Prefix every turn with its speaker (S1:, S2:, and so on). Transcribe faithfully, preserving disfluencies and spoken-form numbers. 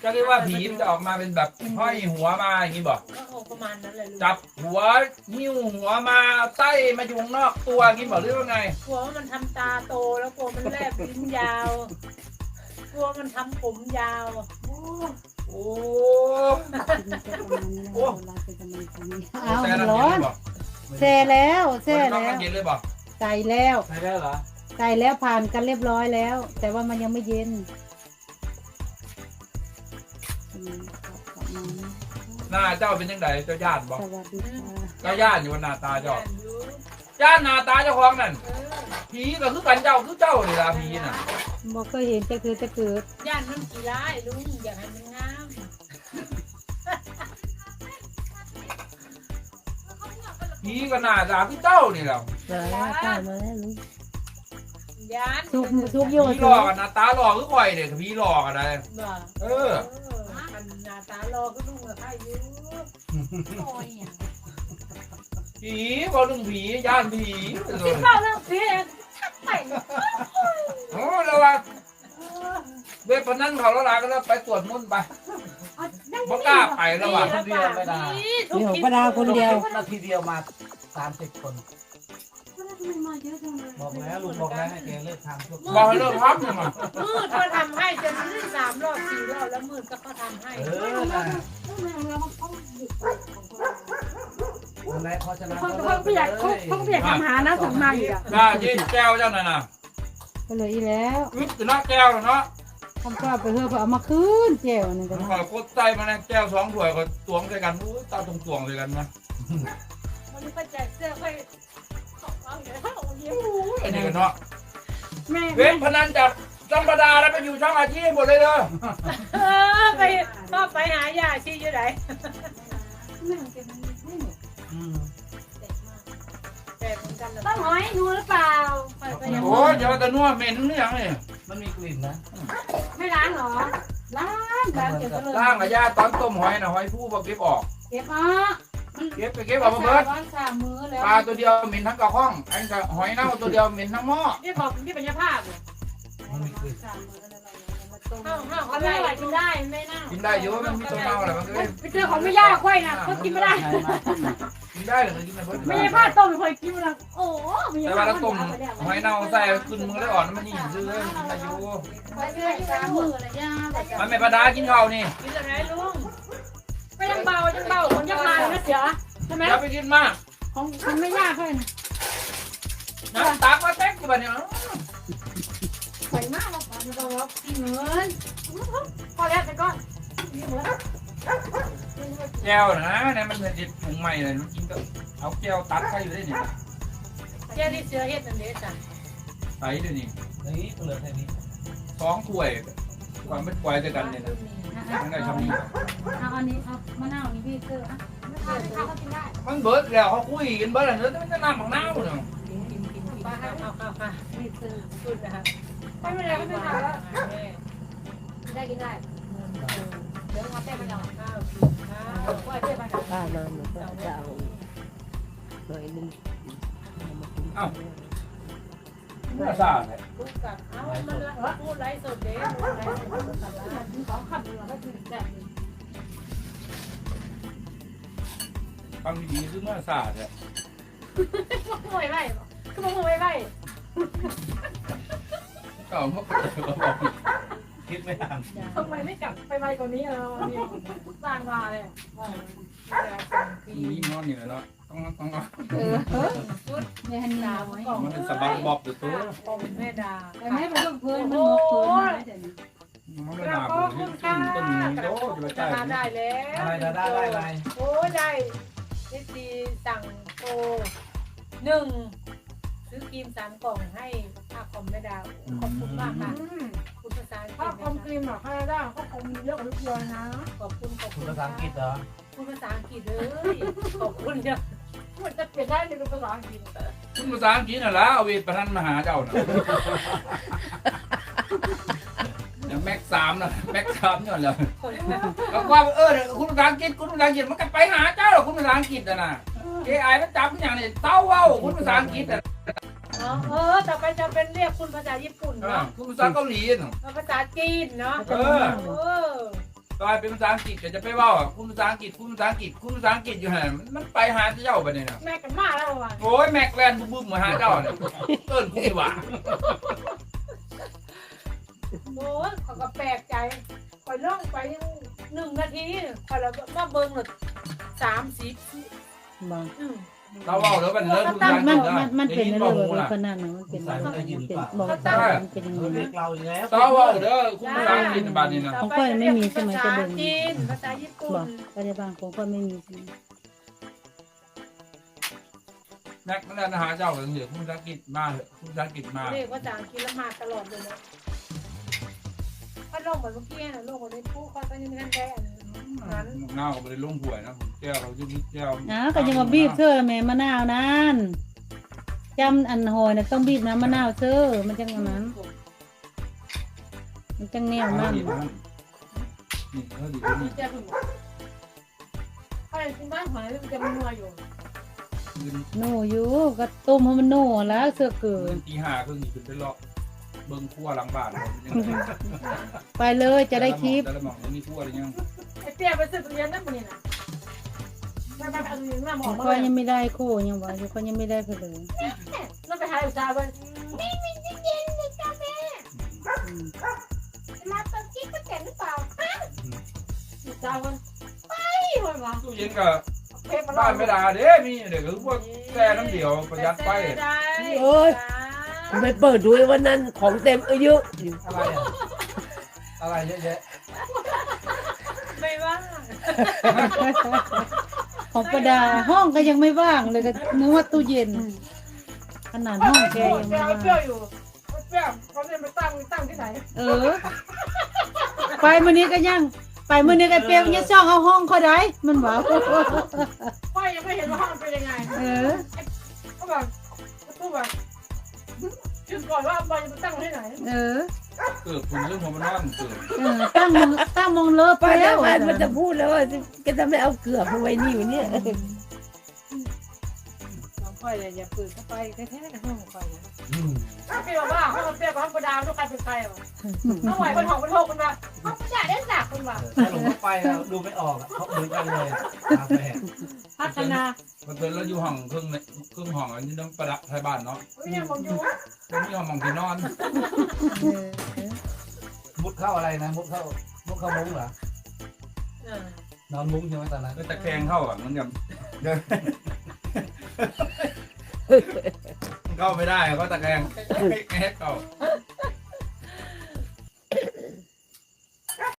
S1: จะเรียกว่าผีมันจะออกมาเป็นแบบห้อยหัวมาอย่างนี้บอก
S2: ก็ออกประมาณนั้นเลยลูก
S1: จับหัวนิ้วหัวมาไส้มาอยู่ข้างนอกตัวอย่างนี้บอกหรือว่าไง
S2: กลัวว่ามันทำตาโตแล้วกลัวมันแลบลิ้นยาวกลัวมันทำผมยาวโอ้
S1: โอ้
S3: โอ้เราเป็นกำลังใจเอา
S1: แต่น้ำ
S3: ร้
S1: เย็
S3: อน น
S1: เลยบอก
S3: แช่แล้วแช่
S1: ต้อง
S3: แล้ว
S1: น้ำเย็นเลยบอก
S3: ใส่แล้ว
S1: ใช่แล้วเหรอ
S3: ใส่แล้วผ่านกันเรียบร้อยแล้ว แต่ว่ามันยังไม่เย็นอืมขอบคุณนะ
S1: หน้าเจ้าเป็นยังไงเจ้าญาติบอก
S3: สวัสดีค่ะ
S1: เจ้าญาติอยู่บนหน้าตาเจ้า
S2: ย่านอยู่
S1: ญาติหน้าตาเจ้าของนั่น
S2: เออ
S1: ผีก็คือกันเจ้าคือเจ้าเลยล่ะผีน่ะ
S3: บอกเคยเห็นจะคือจะเกิด
S2: ย่านมันกี่ร้ายลุงอยากให้มันงาม
S1: ผีก็หน้าตาคือเจ้านี่แหละ
S3: เดี๋ยวว่าใกล้มาแล้วลูก
S2: ย่าน
S3: ทุกทุกโย
S1: ผี
S3: น
S1: หลอกกันหน้าตาหลอกคือข่อยเนี่ยผีหลอกอะไร
S2: บ่
S1: เอ
S2: เอ
S1: อ
S2: อมันหน้าตารอก็ลุงกับข้าอยู่โอ้ยอ่ะ
S1: ผีบอกเรื่องผีญาติผีเลย
S2: เล่าเรื่องผีไป
S1: โอ้แล้วว่าเว็บพนันเขาแล้วลาก็แล้วไปตรวจมุ่นต์ไปบ่กล้าไปแล้วว่ะ
S2: คนเดียวไม่ได้ทุก
S3: เดี๋ยว
S2: คลิป
S3: ประดาคนเดียว
S4: นาทีเดียวมาสามสิบคน บอกแล้วลุงบอกแล้วให้แกเลิกทำทุก
S1: บอกให้เลิกพักเนี่ยมัน
S2: มืดก็ทำให้จนมืดสามรอบสี่รอบแล้วมืดก็เขาทำให้
S4: เออนะวันไหนพอชนะ
S5: เขาเขาไม่อยากเขาเขาไม่อยากทำหานะส่งมาอีกอ่ะ
S1: กล้ายิงแก้วเจ้านั่นน่ะ
S3: ก็เลยอีแล้ว
S1: อึดจะนักแก้วแล้วเนาะ
S3: ทำกล้าไปเพื่อเอามาคืนเจ้านี่ก็
S1: มัน
S3: ได้
S1: ก็กดใจมาในแก้วสองถ้วยก็ตวงใส่กันอู้ตาตรงตวงเลยกันนะ
S2: วันนี้ไปแจกเสื้อไปเอาเดี๋ยวเอาเดี๋ยว
S1: ไอ้นี่ก็เนาะ
S5: แม่
S1: เว็บพนันจากธรรมดาแล้วไปอยู่ช่องอาชีพหมดเลยเด้อ
S2: เออไปก็ไปหายาชีอยู่ไหน
S4: อืม
S2: แต่เหมือนกันเลย
S5: ต้องหอยนูหรือเปล่า
S2: ไปไปยัง
S1: โอ้ยอย่าว่าแต่นัวเหม็นนี่ยังนี่
S4: มันมีกลิ่นนะ
S5: ไม่ล้างหรอล้างล้างเก็บไปเลย
S1: ล่างกับยาตอนต้มหอยนะหอยผู้บอกเก็บออก
S5: เก็บอ่ะ
S1: เก็บไปเก็บออกมาเบิด
S5: ร้อนสามมือแล้ว
S1: ปลาตัวเดียวเหม็นทั้งกระห้องไอ้กับหอยเน่าตัวเดียวเหม็นทั้งหม้อ
S2: นี่บอกนี่เป็นยาภาพเนี่ย
S4: มันมีกลิ่น
S5: สามมือแล้วมาต้ม
S2: ห้าวห้าว
S5: เขา
S2: เขา
S5: ไม่
S2: ไล่
S5: ไหวกินได้ไม่น่า
S1: กินได้เยอะมันมีตัวเน่าอะไรมันก็เลย
S5: ไปเจอของไม่ยากค่อยนะเขากินไม่ได้
S1: กินได้หรือกินไม่เบิด
S5: ไม่ใช่ผ้าต้มเคยกินมาโอ้ไม่
S1: แต่
S5: ใช่
S1: ว่า
S5: ผ้า
S1: เรา
S5: ต้
S1: ต้
S5: ม
S1: มหอยเน่าใส่ขึ้นมือได้อ่อนมันนี่ซื้อเลยกินได้อยู่
S5: ไปเรื่อยสามมือเลยย่า
S1: มันไม่ประดากินข้าวนี่
S2: กินอะไรลุง
S5: ไม่ยังเบายังเบาคนยังมานะเสียใช่ไหม
S1: อย่าไปกินมาก
S5: ของมันไม่ยากค่อยนะ
S1: น้ำตักมาเต็กอยู่บ้านเนี่ย
S5: ไหวมากเราไม่ต้องรับเหมือนพอแล้วแต่ก็เหมือน
S1: แก้วนะเนี่ยมันเป็นถุงใหม่เลยมันกินก็เอาแก้วตัดไปอยู่ได้เนี่ย
S2: เจ้าที่เสือเฮ็ดนั่นเด้จ้ะ
S1: ใส่ด้วยนี่
S4: นี่เหลือแค่นี้
S1: สองถ้วยความเป็นควายด้วยกันเนี่ยนะทั้งได้ทำนี่
S3: เอาอันนี้เอามะนาวนี่พี่เกอร์อ่ะ
S5: ไม่ทานไม่ทานก็กินได้
S1: มันเบิดแล้วเขาคุยกันเบิดแล้วเนื้อมันจะน้ำของน้ำเนาะ
S2: กินกินกินกินข้าวข้าวข้าวข้าว
S3: พี่เกอร์
S2: พูดนะครับ
S5: ไม่เป็นไรไม่เป็นไรแล้ว
S2: แม่
S5: ได้กินได้เดี๋ยวมาแต้มไปก่อน
S2: ข้าวกินข้าว
S5: ว่าเต้มไปก่อน
S6: ป้ามาหนูก็จะเอาหน่อยนึง
S1: น่าซาเลย
S2: พูดกับเอ้ามันละพูดไลฟ์สดเด้พูดไลฟ์สดกับร้าน
S5: สองคำเราก็กินแบบ
S1: ฟังดีๆคือน่าซาเลย
S5: มวยไล่คือมวยไล่
S1: ก็พวกเขาบอก
S4: คิดไม่ทัน
S5: ทำไมไม่กลับไปไวกว่านี้เราเนี่ยสร้างมาเลย
S1: นี่นอนอยู่แล้วต้องต้อง
S3: เออแม่ฮันนี่น้อย
S1: มันเป็นสะบักบอบตัวตัว
S2: ของแม่ดา
S3: แต่ไม่เป็นลูกเพื่อนมันหมกตัวมาเดี๋ยวนี้
S1: มันไม่หนาผมต้นต้นโตจะไปใต้
S2: ได้แล้ว
S4: อะไรดาด้าได้อะไร
S2: โอ้ได้ที่ซีสั่งโตหนึ่งซื้อครีมสามกล่องให้ค่าคอมแม่ดาขอบคุณมากค่ะคุณภาษา
S5: ถ้าคอมครีมหรอค่าได้ก็คงมีเยอะกว่าทุกเดือนนะ
S2: ขอบคุณขอบ
S4: คุ
S2: คุณ ณ
S4: ภาษาอังกฤษเหรอ
S2: คุณภาษาอังกฤษเลยขอบคุณเนี่ย
S5: มันจะเปลี่ยนได้ในภาษาอังกฤษ
S1: คุณภาษาอังกฤษน่ะละเอาเวทประทันมาหาเจ้าน่ะอย่างแม็กสามน่ะแม็กสามเนี่ยแหละก็ว่าเออคุณภาษาอังกฤษคุณภาษาอังกฤษมันก็ไปหาเจ้าหรอกคุณภาษาอังกฤษน่ะนะเอไอมันจับอย่างนี้เต้าเว้าคุณภาษาอังกฤษน่ะ
S2: เออต่อไปจะเป็นเรียกคุณภาษาญี่ปุ่นเนาะ
S1: คุณภาษาเกาหลีน่ะ
S2: ภาษาจีนเนาะ
S1: เออ
S2: เออ
S1: ตกลายเป็นภาษาอังกฤษก็จะไปเว่าอ่ะคุณภาษาอังกฤษคุณภาษาอังกฤษคุณภาษาอังกฤษอยู่ห่นมันไปหาเจ้าไปเนี่ยนะ
S5: แม่กันมาแล้วว่ะ
S1: โอ้ยแม็กแลนด์บึ้มมาหาเจ้าเนี่ยเอิ้นกูดีกว่า
S2: โอ้ยเขาก็แปลกใจคอยล่องไปยังหนึ่งนาทีคอยแล้วมาเบิ้งหลดสามสิบ
S3: บอก
S2: อืม
S1: เราเว่าแล้วมันเลิกคุณภาษาอัง
S3: มั
S1: ก
S3: น
S1: ฤษ
S3: มันมันเป็น
S1: ได้
S3: อะไร
S1: ยิน
S3: แบบ
S1: ล่ะ
S3: ขนาดนั้นมันเป็นอะไรมันเป็นบอกตามันเป็นยังไง
S4: เรียกเราอีกแล้ว
S1: เราเว่าเด้อคุณภาษาอังกฤษบาดนี้นะ
S3: ของข้อยไม่มีใช่ไหมจะ
S2: ภา
S3: เบิ่
S2: ษาง จีนภาษาญี่ปุ่
S3: บอน กปัจจุบันของก็ไม่มีใช่ไหม
S1: แม็กแลนด์หาเจ้าเหลือคุณภาษาอังกฤษมาเถอะคุณภาษาอังกฤษมา
S2: เรียกว่าภาษาอังกฤษแล้วมาตลอดเลยนะพัดลมเหมือนเมื่อกี้นะโลกคนได้พูดเขาก็ยังไม่ทันได้อันนั้น
S1: เงาไปเลยลงหวยนะผมแก้วเราจะมีแก้ว
S3: อ้าวก็ยังมาบีบเสื้อแม่มะนาวนั่นจำอันหอยนะต้องบีบน้ำมะนาวเสื้อมันจังอันนั้น มันจังแนวนั่น
S1: นี่เขาดีนี่
S2: เจ้าคุณเขาเลยกินบ้านหอยมันจะมีนัวอยู่
S1: คืน
S3: โน่อยู่ก็ต้มให้มันโน่แล้วเสื้อเกิ
S1: คื
S3: น
S1: นตีห้าครึ่งนี่ขึ้นไปเลาะเบิ้งขั้วหลังบ้านเรายังไง
S3: ไปเลยจะได้คลิป
S1: แต่ละหม่องมันมีขั้วอะไรยัง
S2: ไอ้เตี้ยไปซื้อเรียนนั่นมันนี่นะไม่ไม่เอาเรียนมาหม
S3: ข
S2: อ
S3: อง
S2: มา
S3: ข้อย
S2: เลย
S3: ยังไม่ได้คู่ยังว่าอยู่ข้อยยังไม่ได้เผลอ
S2: แล้วไปหาอุตสาห์ว่านี่มีที่เย็นเลยจ้าแม่
S3: อืม
S2: มาตอนกี้ก็เจ๋งหรือเปล่าอุตสาห์ว่าไปเลยว่ะ
S1: ตู้เย็นกับ
S2: เทปมา
S1: บ้านไม่ได้เด้มีเด็กคือพวกแก่น้ำเดียวประหยัดไป
S6: โอ้ยไปเปิดดูไอ้วันนั้นของเต็มเยอะอยู่
S4: อะไรอ่ะอะไรเยอะแยะ
S2: ไม่ว่า
S3: ของประดาห้องก็ยังไม่ว่างเลยก็นึกว่าตู้เย็น ขนาดห้องแกยังไม่
S2: เปรี้ยว
S3: ว่าง
S2: เปรี้ยวอยู่เปรี้ยวเขาเนี่ยไปตั้งตั้งที่ไหน
S3: เออ ไปมื้อนี้ก็ยัง ไปมื้อนี้ก็เปรียวยังซ่องเอาห้องเขาได้มันว่า
S2: พ่อยังไม่เห็นว่าห้องเป็นยังไง
S3: เออ
S2: เขาบอกเขาบอกคิดก่อนว่าบอลจะไปตั้งที่ไหน
S3: เออ
S1: เกิดคุณเรื่องหัวมันนอนเกิด
S3: เออตั้งมองตั้งมองเลอะไป
S6: ไป
S3: แล้
S6: แล้ว วมันมันจะพูดแล้วว่าก็จะไม่เอาเกลือมาไว้นี่อยู่เนี่ย
S2: น้องค่อยเลยอย่าปืนเข้าไปแท้ๆห้องค่อยนะ
S4: อืม
S2: พี่บอกว่าห้องเปรี้ยวกับห้องประดาวทุกการเป็นใครวะห้องไหวเป็นห้องเป็นโทกคนมาห้องประดาได้หนักคนมา
S4: ถ้าหลงเข้าไปแล้วดูไม่ออกอะเขาเหมือนกันเลยตาแฝด
S2: พัฒนา
S1: มันเป็นแล้วอยู่ห้องครึ่งครึ่งห้องอันนี้ต้องประดับไทยบ้านเนาะ
S2: ไม่ยังผมอยู่
S1: ตรงนี้ห้องมองที่นอน
S3: เออ
S4: มุดเข้าอะไรนะมุดเข้ามุดเข้ามุ้งเหรอ นอนมุ้งใช่ไหมตอนนั้น
S1: ก็ตะแคงเข้าอ่ะเหมือนกับเดินเข้าไม่ได้ก็ตะแคงให้เข้า
S2: เอ